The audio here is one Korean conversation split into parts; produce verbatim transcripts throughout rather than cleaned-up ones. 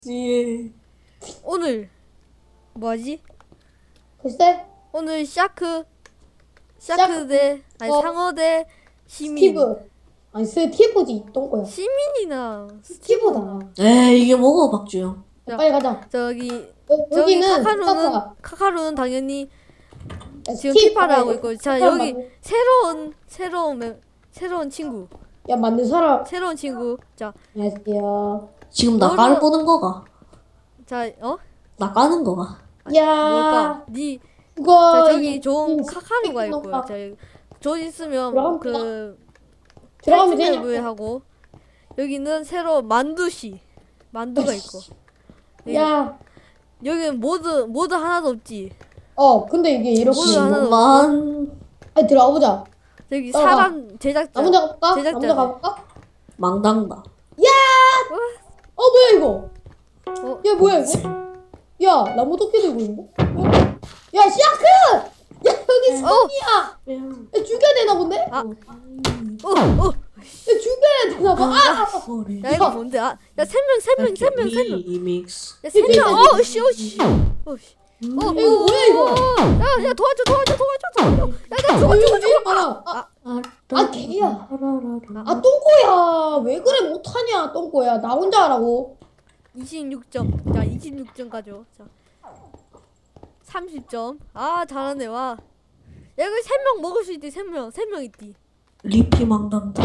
예. 오늘 뭐하지? 글쎄. 오늘 샤크 샤크 대 아니 어. 상어 대 시민. 스티브. 아니 스티브지 똥꼬야. 시민이나 스티브다. 에이 이게 뭐고 박주영. 야, 빨리 가자. 저기 여, 저기 여기는 카카루는 스타코야. 카카루는 당연히 야, 지금 스티브 피파를 봐야 하고 돼. 있고, 자 사람 여기 만들- 새로운 새로운 멤- 새로운 친구 야 만든 사람. 새로운 친구 자 안녕하세요. 지금 나 너는- 까를 보는 거가. 자 어? 나 까는 거가. 야. 뭘까? 니 그거 자, 저기 이- 좋은 이 카카루가 스티브 있고요. 놈아. 자, 저 있으면 들어가면 그 들어가면 탈출맵을 되냐? 하고, 여기는 새로 만두씨 만두가 있고, 야. 여기는 모드 모드 하나도 없지. 어 근데 이게 이렇게. 뭐야? 하나 만 아니 들어가 보자. 여기 따라가. 사람 제작자. 나 먼저 가볼까? 나 제작자네. 먼저 가볼까? 망당다. 어 뭐야 이거? 어? 야 뭐야 이거? 야 나무 도끼 들고 있는데? 어? 야 시아크! 야 여기 스톤이야! 야 죽여야 되나 본데? 아. 어, 어. 야 죽여야 되나 봐. 아! 야 이거 뭔데? 아, 야 세 명, 세 명, 세 명, 세 명. 리믹스. 야 세 명. 어, 씨, 어, 씨. 어, 씨. 어, 야, 이거 뭐야 이거? 야, 야 도와줘, 도와줘, 도와줘, 도와줘. 야, 나 어, 죽어, 이거 죽어, 왜 이리 죽어. 많아? 아, 아, 개야. 아 아 똥꼬야. 왜 그래 못하냐 똥꼬야. 나 혼자 하라고. 이십육 점. 자, 이십육 점 가져. 자, 삼십 점. 아, 잘하네 와. 야, 이거 세 명 먹을 수 있디. 세 명, 세 명 있디. 리피 망당다.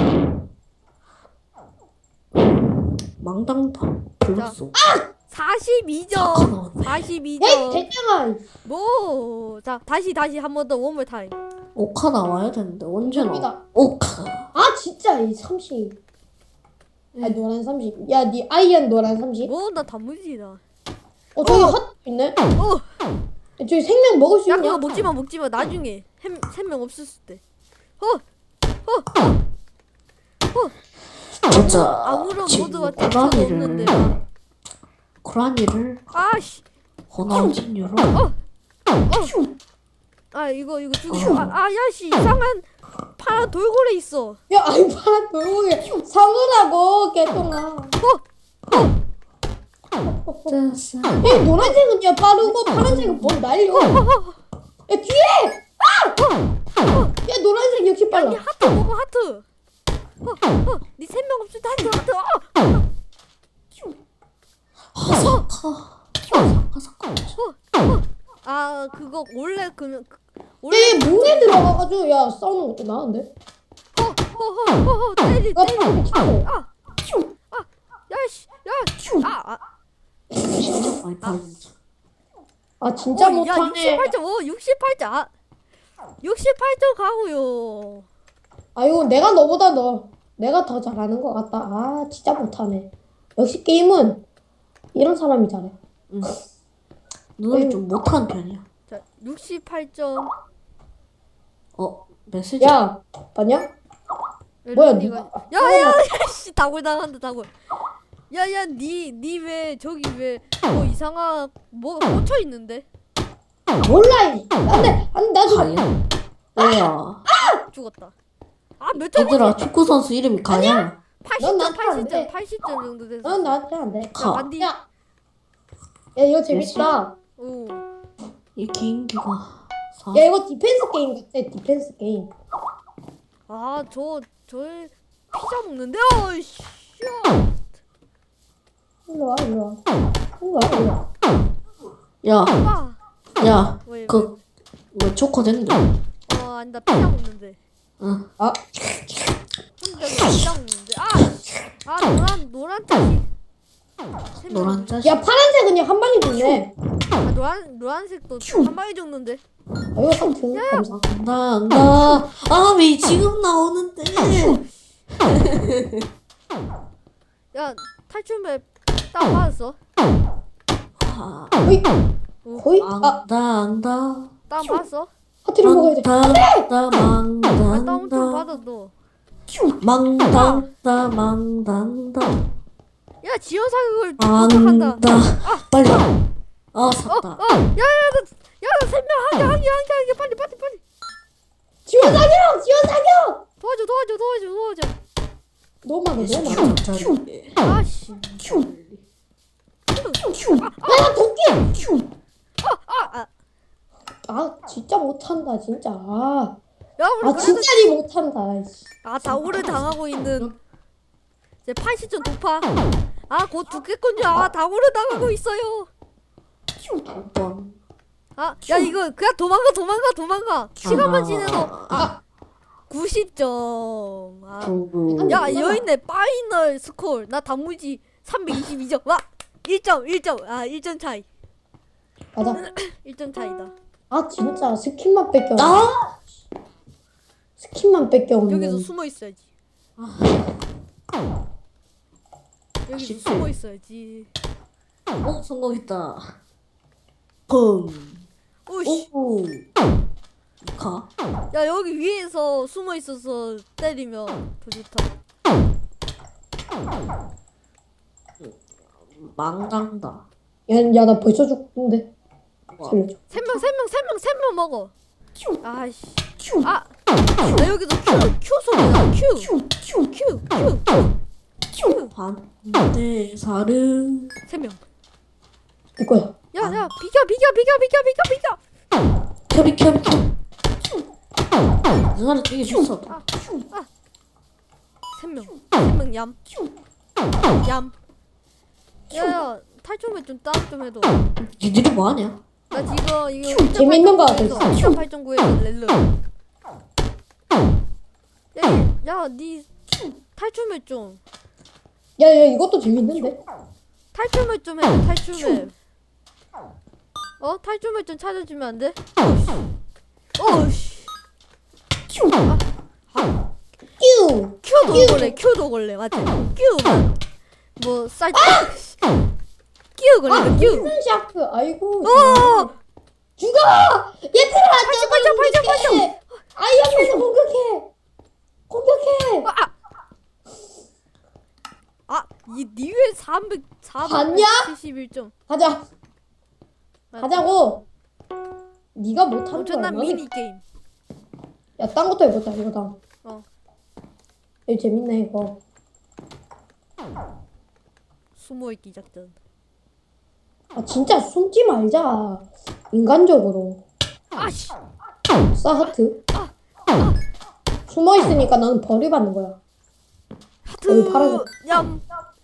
망당다. 불렀어. 사십이 점. 잠깐 나왔네. 사십이 에이 점. 됐잖아. 뭐? 자, 다시 다시 한 번 더 원몰 타임. 오카 나와야 되는데 언제 나와? 갑니다. 오카. 아 진짜 이 삼십. 아 노란 삼십. 야니 아이언 노란 삼십. 뭐? 나 단무지다. 어 저기 핫 있네. 어. 야, 저기 생명 먹을 수 야, 있냐? 그거 먹지 마, 먹지 마. 나중에 세명 없었을 때. 어. 어. 진짜 아무런 지금 모드가 text가 없는데. 고라니를 고라니를 아씨. 호남진유로 아, 이거 이거 죽여. 아, 아, 야씨. 이상한 파란 돌고래 있어. 야 아이 파란 돌고기 사물하고 개똥아. 됐어. 야 노란색은 야 빠르고 파란색은 뭘 날려. 야 뒤에. 아! 야 노란색 역시 야, 빨라. 니 하트 먹어, 하트. 어, 어. 니 세 명 없을 때 하트, 하트. 어. 하사카. 하사카. 아, 그거 원래 그 원래 얘 문에 들어가가지고 야 싸우는 것도 나은데? 허허허허 때리 나 때리. 방금 치고. 아. 아. 야씨. 야. 아. 아. 진짜 많이 파는 아 진짜 어, 야, 못하네. 육십팔 점. 어, 육십팔 점. 아, 육십팔 점 가고요. 아 이거 내가 너보다 너 내가 더 잘하는 것 같다. 아 진짜 못하네. 역시 게임은 이런 사람이 잘해. 응. 누나는 좀 못하는 편이야. 자, 육십팔 점. 어 메시지. 야 봤냐? 뭐야, 야, 니가- 야, 야, 씨, 다굴 당한다, 다굴. 야, 야, 니, 니 왜 저기 왜 뭐 이상한 뭐 꽂혀 있는데? 몰라. 이. 안돼 안돼 나 좀. 가야. 뭐야? 죽었다. 아, 몇 점? 얘들아 축구 선수 이름이 가야. 팔십 넌 점, 나한테 안 팔십 점, 돼. 팔십 점 정도 됐어. 넌 나한테 안 돼. 자, 가. 만디. 야. 야 이거 재밌다. 오. 이 개인기가. 사. 야 이거 디펜스 게임 같아. 디펜스 게임. 아, 저, 저 피자 먹는데? 어이씨. 일로 와 일로 와. 일로 와 일로 와. 야, 아, 야, 왜, 왜? 그, 뭐 초코 된다. 어, 아니, 나 피자 먹는데. 응. 아 혼자 피자 먹는데. 아, 아, 노란, 노란 뜻이. 세 명. 노란 자식. 야 파란색은 그냥 한 방에 죽네. 아, 노란, 노란색도 한 방에 죽는데. 아 이거 상품 감사. 나, 나, 아, 왜 지금 나오는데? 야, 탈출맵 딱 받았어. 아, 거의 거의 아 안다, 안다. 딱 받았어. 하트를 먹어야 돼. 망당다, 아, 다운 좀 망당다. 받아 너. 망당다, 망당다. 야, 지원 사격을 한다. 망다. 빨리. 아, 어, 샀다. 어, 야, 야, 나, 야, 나 세 명 하게, 하게, 하게, 하게, 빨리, 빨리, 빨리. 지원 사격! 지원 사격! 도와줘, 도와줘, 도와줘, 도와줘. 너무 많아 너무 많아. 큐. 아씨. 큐. 큐. 야 도끼. 큐. 아, 아. 아 진짜 못한다 진짜. 아, 야 우리 아 그래도 진짜 니 못한다. 씨. 아 다오를 당하고 있는 이제 팔십 점 도파. 아 곧 죽겠군요. 아 다오를 당하고 있어요. 번. 아 야 이거 그냥 도망가 도망가 도망가. 시간만 지내도 아, 구십 점. 아. 두. 야 여기 있네 파이널 스코어. 나 단무지 삼백이십이 점. 와 일 점 일 점. 아 일 점 차이. 가자. 일 점 차이다. 아 진짜 스킨만 뺏겨. 아! 스킨만 뺏겨. 여기서 숨어 있어야지. 여기서 아쉽지. 숨어 있어야지. 어, 성공했다. 펑. 오씨. 오. 가. 야 여기 위에서 숨어 있어서 때리면 더 좋다. 망간다. 야나 벌써 죽는데. 와. 살려줘. 세 명 세 명 세 명 세 명 먹어. 아이씨. 아. 나 여기서 Q Q 소리야. Q Q Q Q Q. 반대 사르. 세 명. 내 거야. 야 야 비켜 비켜 비켜 비켜 비켜 비켜. 켜비 켜비 켜. 누나를 되게 줬어. 아. 아. 세 명. 세 명 얌. 얌. 야야 탈춤을 좀 따로 좀 해도. 니들이 뭐 하냐? 나 지금 이거 재밌는 거 같아. 팔 점 구에서 렐르. 야야니 탈춤을 좀 야야 이것도 재밌는데. 탈춤을 좀 해. 탈춤을. 어 탈춤을 좀 찾아주면 안 돼? 어씨. 아, 아, 뀨. 큐도 걸래. 큐도 걸래. 맞지? 큐만. 뭐 쌀. 큐 걸래. 큐. 무슨 샤크. 아이고. 어. 죽어. 얘들아. 팔 점 팔 점 팔 점. 아이언맨을 공격해. 공격해. 아, 이 니웰 삼백 봤냐? 사백칠십일 점. 가자. 가자고. 네가 못하는 거야. 엄청난 미니 게임. 야, 딴 것도 해보자. 이거 다. 어. 이거 재밌네 이거. 숨어 있기 작전. 아 진짜 숨지 말자. 인간적으로. 아씨. 싸 하트. 숨어 있으니까 나는 벌이 받는 거야. 하트. 여기 파란색. 얌.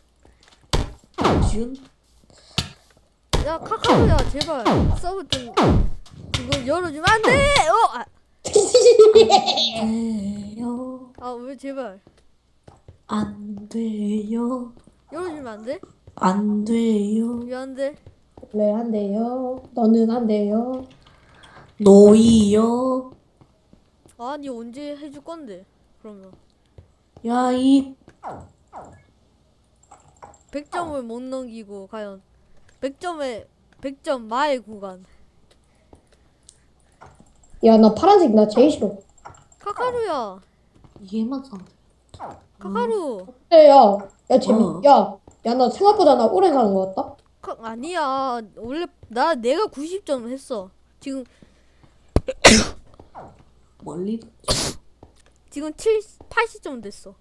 지금 야 카카오야 제발 서브 좀 이거 열어주면 안 돼. 어. 아, 돼요. 아 왜 제발 안 돼요. 열어주면 안 돼? 안 돼요. 왜 안 돼? 왜 안 돼요? 너는 안 돼요. 노이요. 아니 언제 해줄 건데? 그러면 야이 백 점을 못 넘기고 과연 백 점에 백 점 마의 구간. 야, 나 파란색 나 제일 싫어. 카카루야. 얘만 사면 돼. 카카루. 그래, 야, 야 재밌. 어. 야, 야, 나 생각보다 나 오래 사는 것 같다. 카, 아니야. 원래 나 내가 구십 점 했어. 지금 멀리 지금 칠 팔십 점 됐어.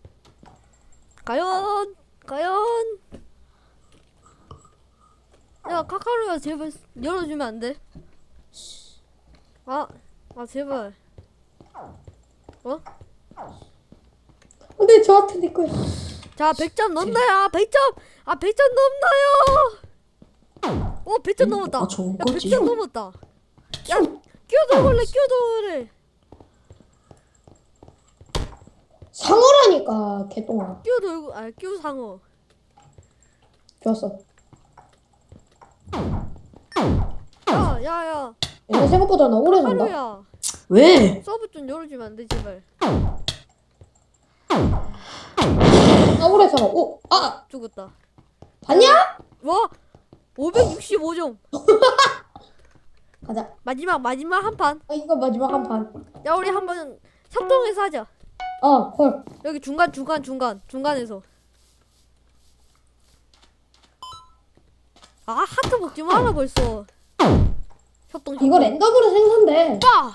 과연 과연 야 카카루야 제발 열어주면 안 돼? 아, 아 제발. 어? 근데 저한테 내 거야. 자 백 점 넘나요? 백 점. 아 백 점 넘나요? 어 백 점 넘었다. 아, 좋은 야 거지. 백 점 넘었다. 야 끼워도 걸래 끼워도 걸래. 상어라니까 개똥아. 끼워 돌고 아 끼워 상어. 좋았어. 야야야 야, 생각보다 나 오래 산다. 하루야 왜? 서브 좀 열어주면 안 돼 제발. 나 오래 살아. 오, 아, 죽었다. 봤냐? 와 오백육십오 점. 가자. 마지막 마지막 한 판. 아, 이거 마지막 한 판. 야 우리 한번 협동해서 하자. 어, 헐. 여기 중간 중간 중간 중간에서. 아 하트 먹지 마라 벌써. 협동 협동. 이거 랜덤으로 생산돼. 빠.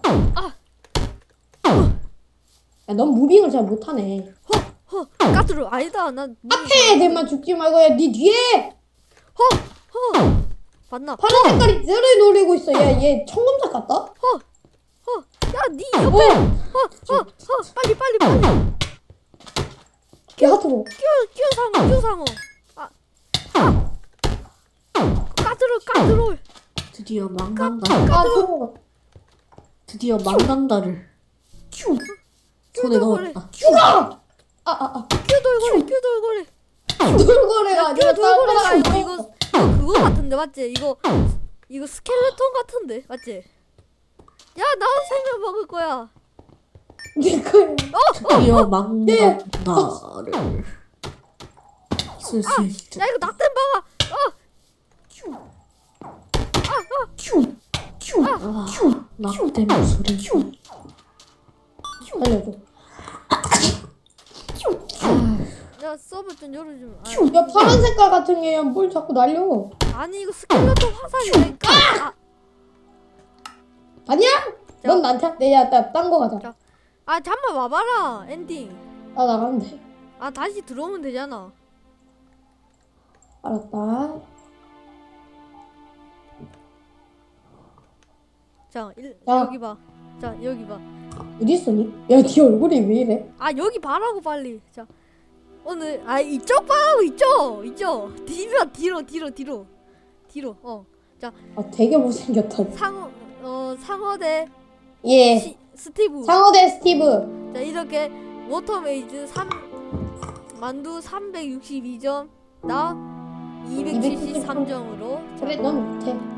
야, 넌 무빙을 잘 못하네. 허 까투르 아니다 난. 앞에 애들만 죽지 말고 야, 네 뒤에. 허허 봤나? 파란 색깔이 쟤를 노리고 있어. 야, 얘 청금작 같다? 어, 야, 니 옆에, 어, 어, 어, 빨리, 빨리, 빨리. 야, 하트 뭐. 끼워, 끼워 상어, 끼워 상어. 아, 아, 까드롤, 까드롤. 드디어 망간다. 아, 저거. 드디어 망간다를 큐. 손에 돌고래. 넣었다. 죽어! 아, 아, 아. 끼워 돌고래, 끼워 돌고래. 돌고래가 끼워 아니라 돌고래가 딴 이거, 거라고. 이거, 이거 그거 같은데, 맞지? 이거, 이거 스켈레톤 같은데, 맞지? 야, 나도 생명 먹을 거야. 네 거야. 드디어 망간다를 쓸 수 있다. 야, 이거 낙댐 박아. 어, 큐. 큐. 아, 낙대 목소리. 알려줘. 야, 서버 좀 열어주면. 아, 큐. 야, 파란 색깔 같은 게 뭘 자꾸 날려. 아니, 이거 스켈레톤 화살이라니까. 아, 아니야? 넌 나한테? 내, 야, 나, 딴 거 가자. 자. 아, 잠만 와봐라. 엔딩. 나 나가면 돼. 아, 다시 들어오면 되잖아. 알았다. 자, 일, 야. 여기 봐. 자, 여기 봐. 어디 있어니? 야, 네 얼굴이 왜 이래? 아, 여기 봐라고 빨리. 자, 오늘 아 이쪽 봐라고 이쪽, 이쪽. 뒤로, 뒤로, 뒤로, 뒤로, 뒤로. 어, 자, 아, 되게 못생겼다. 상어, 어, 상어대 예. 시, 스티브. 상어대 스티브. 자, 이렇게 워터메이즈 삼 만두 삼백육십이 점, 나 이백칠십삼 점으로. 그래, 넌 못해.